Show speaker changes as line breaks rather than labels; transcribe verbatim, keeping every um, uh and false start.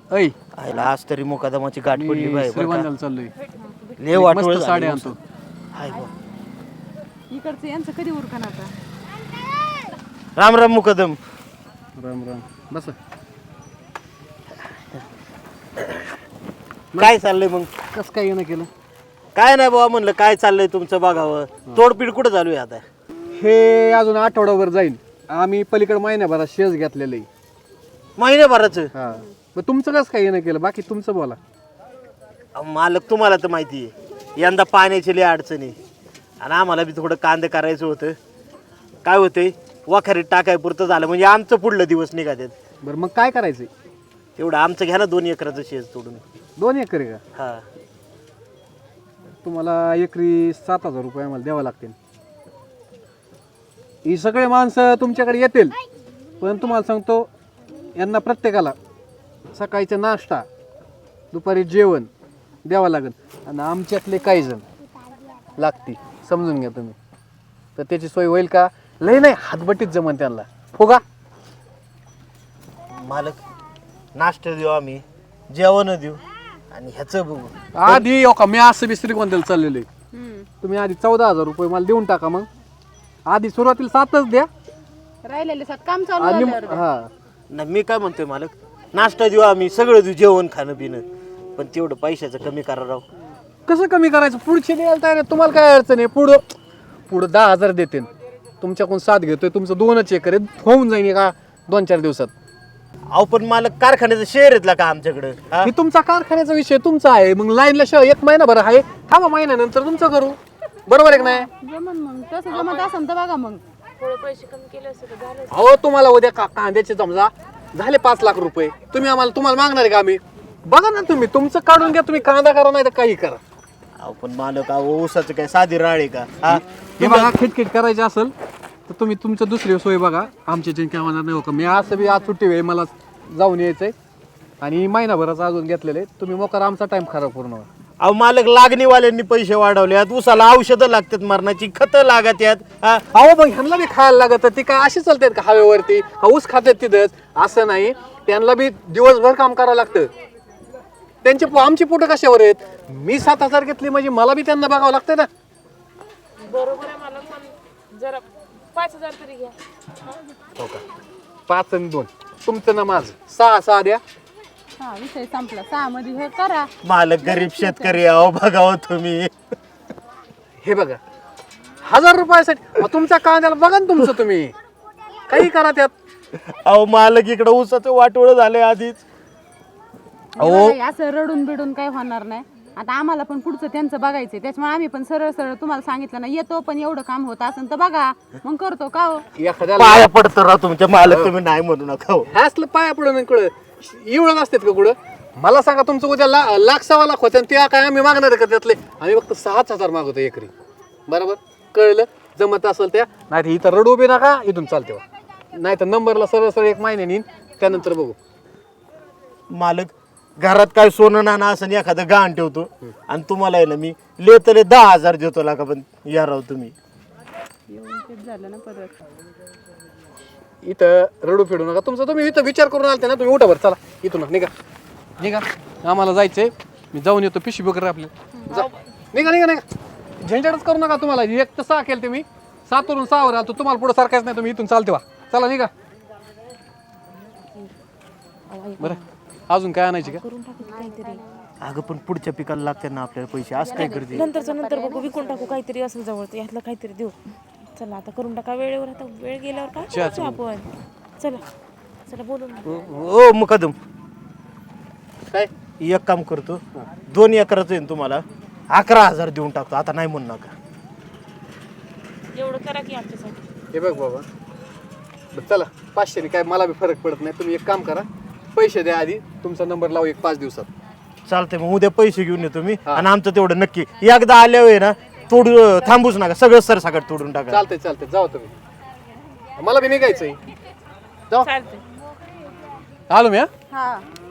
ऐ
आईला आज तरी मुकादमाची गाठ पडली बाई
श्रीगोंद्याला चाललोय.
लय वाटोळ
मस्त साडी आणतो.
हाय बा.
इकडचं यांचं कधी उरकन आता.
राम राम मुकदम.
राम राम. बस.
काय चाललंय मग?
कसं काय येणं केलं?
काय नाही बाबा, म्हणलं काय चाललंय तुमचं बघावं. तोडपीड कुठं चालू आहे आता?
हे अजून आठवड्याभर जाईल. आम्ही पलीकडे महिन्याभरात शेज घेतलेलं आहे.
महिन्याभराचं?
हा. मग तुमचं कसं काय येणं केलं? बाकी तुमचं बोला.
अहो, मालक तुम्हाला तर माहिती आहे यंदा पाण्याची लय अडचणी आणि आम्हाला बी थोडं कांदे करायचं होतं. काय होतंय, वखारीत टाकाय पुरतं झालं म्हणजे आमचं पुढलं दिवस निघातात.
बरं मग काय करायचंय?
तेवढं आमचं घ्या ना दोन एकराचं शेज तोडून.
दोन एकर आहे का?
हा.
तुम्हाला एकरी सात हजार रुपये आम्हाला द्यावं लागतील. ही सगळे माणसं तुमच्याकडे येतील, पण तुम्हाला सांगतो यांना प्रत्येकाला सकाळचा नाश्ता, दुपारी जेवण द्यावं लागेल. आणि आमच्यातले काही जण लागती, समजून घ्या तुम्ही. तर त्याची सोय होईल का? लय नाही, हातबटीत जमन त्यांना. फुगा
मालक, नाश्ता देऊ आम्ही, जेवण देऊ आणि ह्याचं बघू.
आधी हो का, मी असं बी श्रीगोंद्याला चाललेलो आहे. तुम्ही आधी चौदा हजार रुपये मला देऊन टाका. मग आधी सुरुवातीला सातच द्या
राहिलेले सात काम चालू
आणि
झाल्यावर द्या.
हा
नाही, मी काय म्हणतोय मालक, नाश्ता देऊ आम्ही, सगळं देऊ, जेवण खाणं पिणं, पण तेवढं पैशाचं कमी करा राव.
कसं कमी करायचं? पुढचे द्यायला तयार आहे. तुम्हाला काय अडचण आहे? पुढं पुढं दहा हजार देते, तुमच्याकडून साथ घेतोय. तुमचं दोनच एकर आहे, होऊन जाईन का दोन चार दिवसात.
अहो पण मालक, कारखान्याचं शेअर येतला का आमच्याकडं? हा?
हे तुमचा कारखान्याचा विषय तुमचा आहे. मग लाईनला शिवाय एक महिना बरं आहे, थांबा महिन्यानंतर तुमचं करू. बरोबर आहे का नाही?
जमन मग तसं जमत असेल तर बघा मग.
थोडे पैसे कमी केले असते तर झालं.
अहो तुम्हाला उद्या का कांद्याचे समजा झाले पाच लाख रुपये, तुम्ही आम्हाला तुम्हाला मागणार आहे का आम्ही? बघा ना तुम्ही, तुमचं काढून घ्या. तुम्ही कांदा करा नाही तर काही करा.
अहो पण मालक, अहो ऊसाचं काय साधी राळ आहे का? हा?
हे बघा, खिटखिट करायची असेल तर तुम्ही तुमचं दुसरी सोय बघा. आमच्या काही काय होणार नाही. हो का, मी असं बी आज सुट्टी वेळ मला जाऊन यायचंय आणि महिनाभराचं अजून घेतलेलं आहे. तुम्ही मोकार आमचा टाइम खराब करू नका.
अहो मालक, लागणीवाल्यांनी पैसे वाढवल्यात, ऊसाला औषधं लागतात, मरणाची खतं लागत यात. हा?
अहो मग ह्यांना बी खायला लागत. ती काय अशी चालतात का हवेवरती? ऊस खातात तिथंच असं नाही, त्यांना बी दिवसभर काम करावं लागतं. त्यांचे पो- आमची पोटं कशावर आहेत? मी सात हजार घेतली म्हणजे मला बी त्यांना बघावं लागतं ना.
बरोबर आहे मला, पण जरा पाच हजार तरी घ्या.
हो का, पाच आणि दोन तुमचं ना माझं सहा सहा द्या.
हा विषय संपला. सहा मध्ये हे करा.
मालक गरीब शेतकरी, अहो बघावं तुम्ही.
हे बघा, हजार रुपयासाठी अहो, तुमच्या कांद्याला बघा ना तुमचं. तुम्ही काही करा त्यात.
अहो मालक, इकडं ऊसाचं वाटोळं झालंय आधीच.
अहो.
बघा, असं रडून बिडून काही होणार नाही. आता आम्हाला पण पुढचं त्यांचं बघायचंय, त्याच्यामुळे आम्ही पण सरळ सरळ तुम्हाला सांगितलं ना, येतो पण एवढं काम होत असेल तर बघा, मग करतो का हो.
एखाद्याला
पाया पडतं राव तुमच्या मालक, तुम्ही नाही म्हणू नका हो.
हे असलं पाया पडून कुठं एवढं नसतात का कुठं? मला सांगा, तुमचं उद्या ला लाख सव्वा लाख होतं ते काय आम्ही मागणार आहे का त्यातले? आम्ही फक्त सहाच हजार मागवतो एकरी. बरोबर, कळलं? जमत असेल त्या, नाही तर इथं रडू बी नका, इथून चालते. नाही तर नंबरला सरळ सरळ एक महिन्याने येईन, त्यानंतर बघू.
मालक, घरात काय सोनं नाणं असं एखादं गहाण ठेवतो आणि तुम्हाला आहे ना मी लेतले दहा हजार देतो लागा, पण या राव तुम्ही.
येऊन तेच झालं ना परत.
इथं रडू फिडू नका. तुमचं तुम्ही इथं विचार करून आलते ना, तुम्ही उठा बरं, चला इथून निघा निघा. आम्हाला जायचंय, मी जाऊन येतो. पिशवी वगैरे आपल्या जा. निघा निघा निघा, झंझटच करू नका. तुम्हाला एक तर सहा केलं ते मी, सातवरून सहावर आलो. तुम्हाला पुढे सारखाच नाही, तुम्ही इथून चालते वा. चला निघा. बरं, अजून काय आणायची का?
करून टाकू काहीतरी.
अगं पण पुढच्या पिकाला लागतात ना आपल्याला पैसे, असं काय करते?
नंतरचं नंतर बघू, विकून टाकू काहीतरी असेल जवळ तर यातलं काहीतरी देऊ. चला आता करून टाका वेळेवर. आता वेळ गेल्यावर काय करायचं आपण? चला चला बोलू ना.
ओ मुकदम,
काय
एक काम करतो, दोन एकराचं आहे ना तुम्हाला अकरा हजार देऊन टाकतो. आता नाही म्हणू नका.
एवढं करा की आमच्यासाठी.
हे बघ बाबा, बरं चला, पाचशेने काय मला बी फरक पडत नाही. तुम्ही एक काम करा, पैसे द्या आधी, तुमचा नंबर लावू एक पाच दिवसात.
चालतंय, मग उद्या पैसे घेऊन येतो मी आणि आमचं तेवढं नक्की एकदा आल्यावर ना तोडू, थांबूच नका, सगळं सरसकट तोडून टाका.
चालतंय चालतंय, जाऊ तुम्ही. मला बी निघायचंय. जाऊ,
चालतंय.
आलो मी. हा
हा